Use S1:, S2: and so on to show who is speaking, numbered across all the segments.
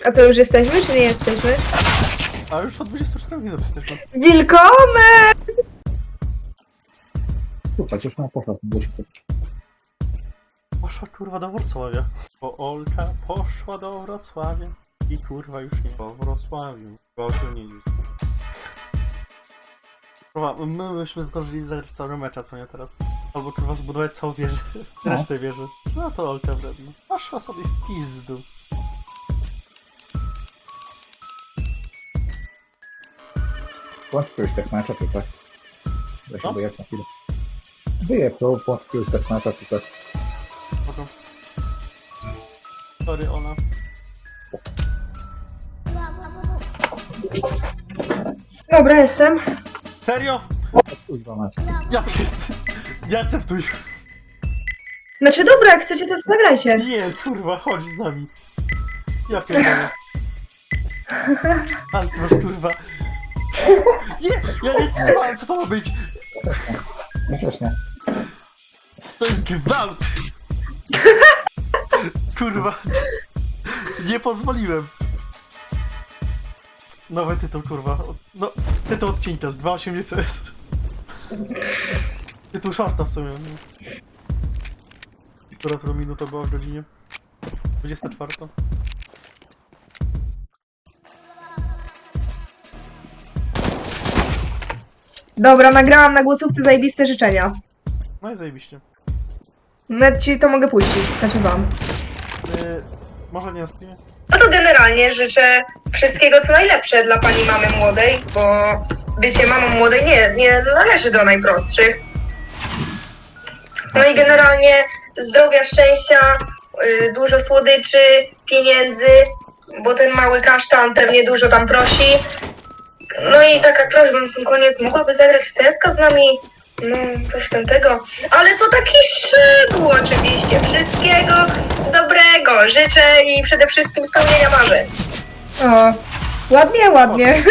S1: A to już jesteśmy, czy nie jesteśmy?
S2: A już od 24 minut jesteśmy.
S1: Wilkomen!
S3: Kurwa, gdzieś ona poszła, bo się
S2: Poszła kurwa do Wrocławia. Bo Olka poszła do Wrocławia. I kurwa już nie po Wrocławiu. Gościu nie dziś. Kurwa, my byśmy zdążyli zagrać całego mecza, co nie teraz? Albo kurwa zbudować całą wieżę. Resztę wieży. No to Olka wredna. Poszła sobie w pizdu.
S3: Włączyłeś tak mecza, czy tak? Ja się
S2: No.
S3: boję na chwilę. Wyjechał, włączyłeś tak mecza, czy tak?
S2: Potem. Sorry, Ola.
S1: Dobra, jestem.
S2: Serio?
S3: Kurwa mecz.
S2: Ja nie akceptuj.
S1: Znaczy dobra, jak chcecie to zagrajcie.
S2: Nie, kurwa, chodź z nami. Ja pierdolę. Ale ty masz kurwa. Nie, ja nie cytowałem, co to ma być?
S3: Ja też nie.
S2: To jest gwałt. Kurwa. Nie pozwoliłem. Nowy tytuł, kurwa. No, tytuł odcinka z 2.8 CS. Tytuł shorta w sumie. Która to minuta była w godzinie? 24.
S1: Dobra, nagrałam na głosówce zajebiste życzenia.
S2: No i zajebiście.
S1: Nawet ci to mogę puścić, znaczy wam.
S2: Może nie na streamie?
S1: No to generalnie życzę wszystkiego co najlepsze dla pani mamy młodej, bo bycie mamą młodej nie należy do najprostszych. No i generalnie zdrowia, szczęścia, dużo słodyczy, pieniędzy, bo ten mały kasztan pewnie dużo tam prosi. No i taka prośba na sam koniec, mogłaby zagrać w CS:GO z nami? No, coś tego. Ale to taki szczegół oczywiście. Wszystkiego dobrego życzę i przede wszystkim spełnienia marzeń. O, ładnie, ładnie.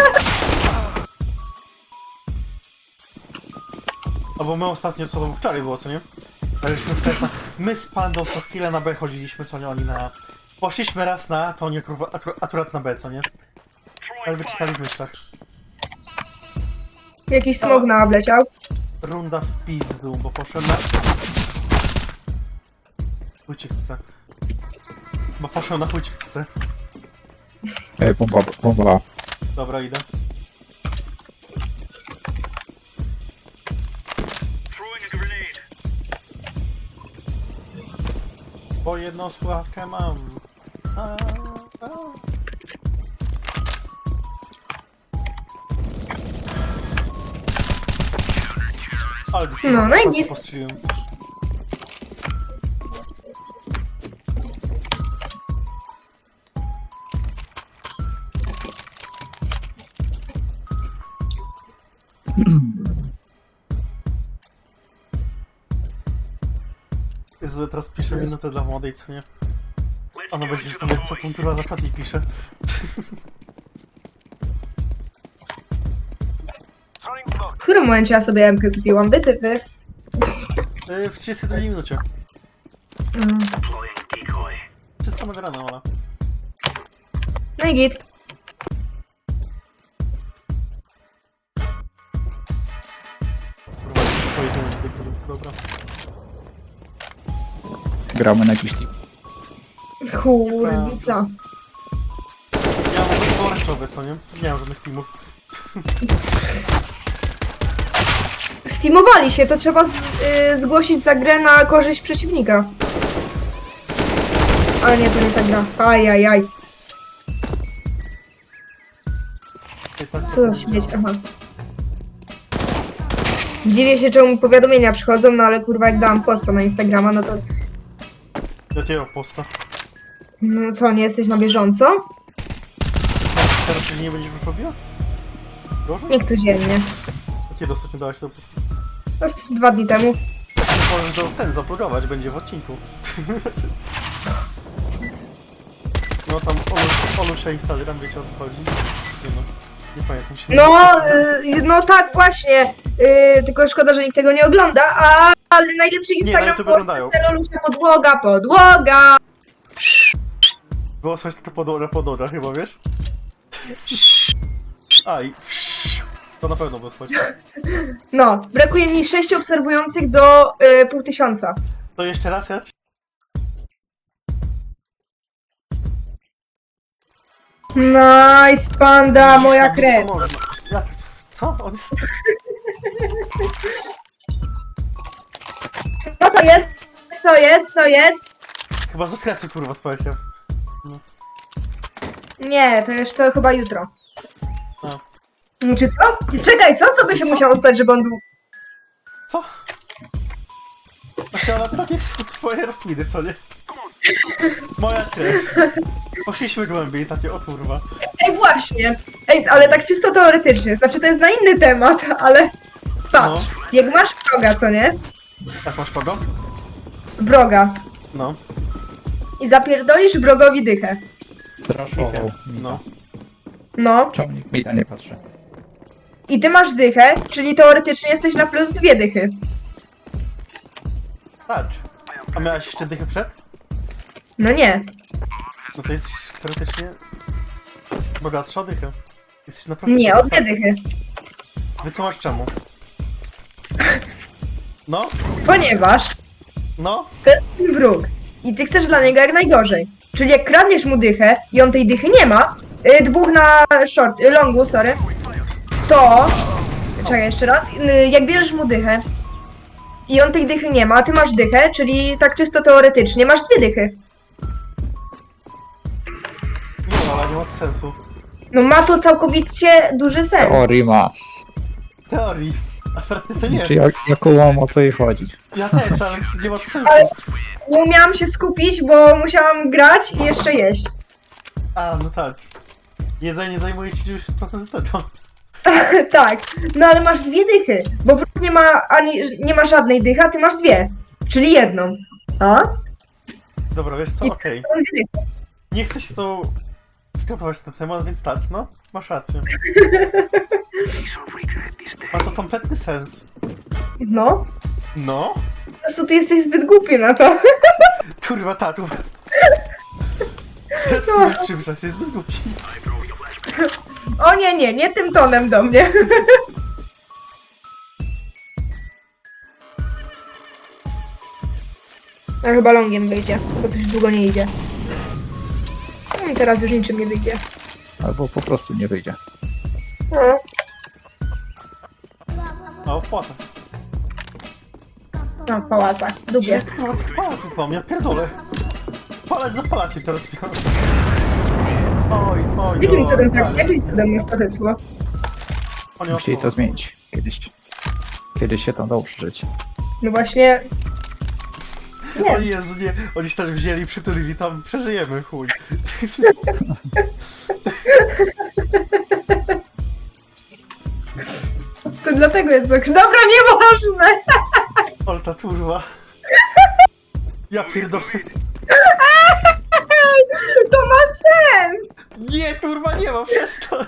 S2: Albo my ostatnio, co to wczoraj było, co nie? Graliśmy w CS-a. My z Pandą co chwilę na B chodziliśmy, co nie? Oni na... Poszliśmy raz na A, to oni akurat na B, co nie? Ale wyczytali w myślach.
S1: Jakiś smog na obleciał.
S2: Runda w pizdu, bo poszedłem na... Chuj ci chce. Bo poszedłem na chuj ci chce.
S3: Bomba.
S2: Dobra, idę. Bo jedną słuchawkę mam. A. Ale
S1: No i nic.
S2: postrzeliłem. Jezu, teraz piszę minutę dla młodej, co nie? Ona będzie zastanawiać, co tą kurwa za czat i pisze.
S1: W którym momencie ja sobie MK kupiłam? Wytypy.
S2: W 32 minucie.
S1: Mm.
S2: Wszystko nagrane, Ola.
S1: No i git.
S2: Kurwa, pojedynek, dobra.
S3: Gramy na jakiś team.
S1: Kurwica.
S2: Ja mam tylko pomarańczowe, co nie? Nie mam żadnych teamów.
S1: Steamowali się, to trzeba zgłosić za grę na korzyść przeciwnika. Ale nie, to nie ta gra. Ajajaj. Co za śmieć, aha. Dziwię się, czemu powiadomienia przychodzą, no ale kurwa jak dałam posta na Instagrama, no to...
S2: Jakiego posta?
S1: No co, nie jesteś na bieżąco?
S2: Teraz się nie będziesz wyrobiła? Proszę?
S1: Nie codziennie.
S2: A kiedy ostatnio dałaś to posta?
S1: To jest 2 dni temu.
S2: Możesz ten zaplogować, będzie w odcinku. No tam Olusia Instagram, wiecie o co chodzi? Nie no, nie pamiętam się.
S1: No tak właśnie. Tylko szkoda, że nikt tego nie ogląda, ale najlepszy
S2: Nie, na
S1: Instagram
S2: YouTube oglądają.
S1: Olusia podłoga.
S2: Było coś to podora chyba, wiesz? Aj, to na pewno było słychać.
S4: No, brakuje mi 6 obserwujących do 500.
S2: To jeszcze raz ja?
S4: Nice, panda, moja
S2: Widzisz, tak
S4: krew.
S2: blisko morza. Jak? Co? On jest...
S4: No co jest? Co jest? Co jest?
S2: Chyba z okresu, kurwa, twoja krew.
S4: Nie, to już to chyba jutro.
S2: A.
S4: Czy co? Czekaj, co by się
S2: Co?
S4: musiało stać, żeby on był...
S2: Co? Właśnie, ale to nie są twoje rozkminy, co nie? Moja krew. Poszliśmy głębiej, takie, o kurwa.
S4: Ej, właśnie. Ej, ale tak czysto teoretycznie. Znaczy, to jest na inny temat, ale... Patrz, jak masz wroga, co nie?
S2: Tak, masz kogo?
S4: Wroga.
S2: No,
S4: I zapierdolisz wrogowi dychę.
S3: Zraszował.
S2: no.
S4: No.
S3: Ciągnik mi nie patrzy.
S4: I ty masz dychę, czyli teoretycznie jesteś na plus 2 dychy.
S2: Tak. A miałaś jeszcze dychę przed?
S4: No nie.
S2: No to jesteś teoretycznie... bogatsza o dychę. Jesteś naprawdę...
S4: Nie, o 2 dychy.
S2: Wytłumacz czemu. No,
S4: Ponieważ
S2: no.
S4: to jest twój wróg. I ty chcesz dla niego jak najgorzej. Czyli jak kradniesz mu dychę i on tej dychy nie ma, dwóch na short, longu, sorry, to... Czekaj, jeszcze raz. Jak bierzesz mu dychę i on tej dychy nie ma, a ty masz dychę, czyli tak czysto teoretycznie masz 2 dychy.
S2: Nie, ale nie ma to sensu.
S4: No ma to całkowicie duży sens.
S3: Teorii ma.
S2: W teorii. A w praktyce nie.
S3: Czy ja kumam o co jej chodzi.
S2: Ja też, ale nie ma to sensu.
S4: Ale- Nie umiałam się skupić, bo musiałam grać i jeszcze jeść.
S2: A, no tak. Jedzenie zajmuje ci 90% tego.
S4: Tak, no ale masz 2 dychy, bo wróg nie ma żadnej dychy, a ty masz 2, czyli jedną. A?
S2: Dobra, wiesz co,
S4: I-
S2: okej.
S4: Są 2 dychy.
S2: Nie chcę się z tobą skatować na temat, więc tak, no. Masz rację. Ma to kompletny sens.
S4: No,
S2: No?
S4: po prostu ty jesteś zbyt głupi na to.
S2: Kurwa, tak.
S4: No.
S2: Przybrzas jest zbyt głupi.
S4: O nie tym tonem do mnie. A chyba longiem wyjdzie, bo coś długo nie idzie. No i teraz już niczym nie wyjdzie.
S3: Albo po prostu nie wyjdzie.
S4: No.
S2: A, opłata.
S4: No, w pałacach, lubię.
S2: Kurwa, tych palatów mam, ja pierdolę. Palać za palacie teraz miałem. Oj,
S4: Jakim cudem tak,
S2: ale-
S4: jakim cudem jest to wysło?
S2: O, nie,
S3: Musieli
S2: o,
S3: to zmienić. Kiedyś się tam dało przeżyć.
S4: No właśnie...
S2: O
S4: Nie,
S2: Jezu, nie, oni się też wzięli, przytulili tam, przeżyjemy, chuj.
S4: to dlatego jest tak. Dobra, nieważne!
S2: Ale ta turwa. Ja pierdolę.
S4: To ma sens!
S2: Nie, turwa, nie ma, przestań.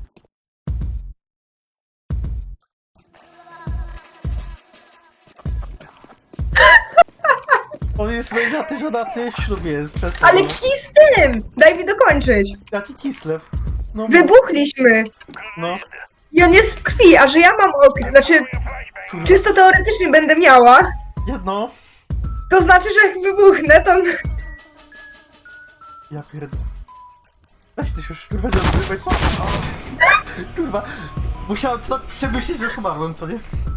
S2: On jest mężaty, żonaty, w ślubie jest, przestań.
S4: Ale
S2: no.
S4: kij z tym! Daj mi dokończyć.
S2: Ja ty Kislev. No,
S4: Wybuchliśmy!
S2: no,
S4: I on jest w krwi, a że ja mam okres, znaczy
S2: kurwa.
S4: czysto teoretycznie będę miała,
S2: Jedno.
S4: to znaczy, że jak wybuchnę, to...
S2: Ja pierdolę. Weź ty się już, kurwa, nie odzywaj, co? Kurwa, musiałem to tak przemyśleć, że już umarłem, co nie?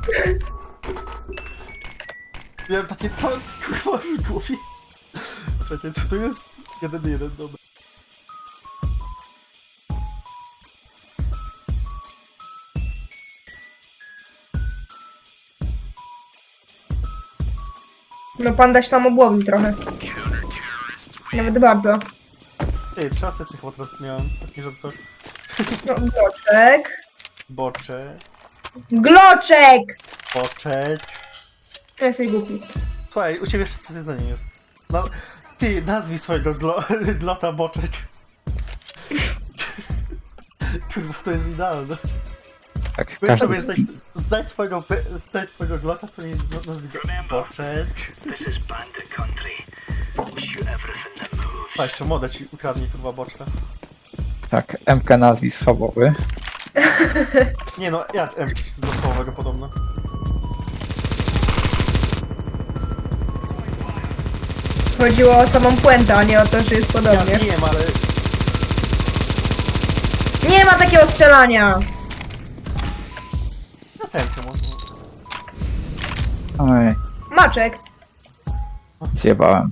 S2: Miałem takie całe, kurwa, w głowie. Czekaj, co to jest? 1-1, dobra.
S4: No panda się tam obłowił trochę. Nawet bardzo.
S2: Ej, 3 asysty chyba teraz miałem, tak nie żeby coś.
S4: No, gloczek.
S2: Boczek,
S4: Gloczek!
S2: boczek.
S4: To jesteś głupi.
S2: Słuchaj, u ciebie wszystko z jedzeniem jest. No, ty, nazwij swojego glota boczek. Kurwa, to jest idealne.
S3: Tak,
S2: Weź
S3: każdy
S2: sobie znajdź swojego glota, który jest nazwij go boczek.
S5: This is bandit country. Shoot everything that moves.
S2: A jeszcze modę ci ukradnie, kurwa, boczka.
S3: Tak, MK nazwisk schabowy.
S2: Nie no, ja z dosłownego podobno.
S4: Chodziło o samą puentę, a nie o to, że jest
S2: Ja
S4: podobnie.
S2: wiem, ale...
S4: Nie ma takiego strzelania!
S2: No tępy może.
S3: Oj,
S4: Maczek.
S3: zjebałem.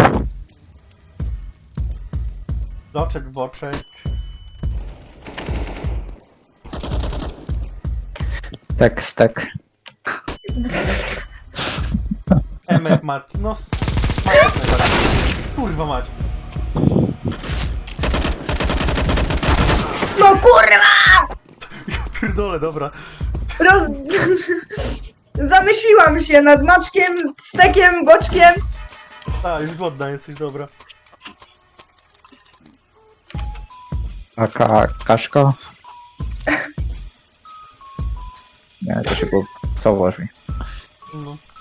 S2: Loczek, boczek.
S3: Tek.
S2: Emek mać, no Maciek najbardziej. Kurwa mać.
S4: No kurwa!
S2: Ja pierdolę, dobra.
S4: Roz... Zamyśliłam się nad maczkiem, stekiem, boczkiem.
S2: A, już głodna jesteś, dobra.
S3: AK Kaszko. Nie, to się było co brzmi.
S2: No.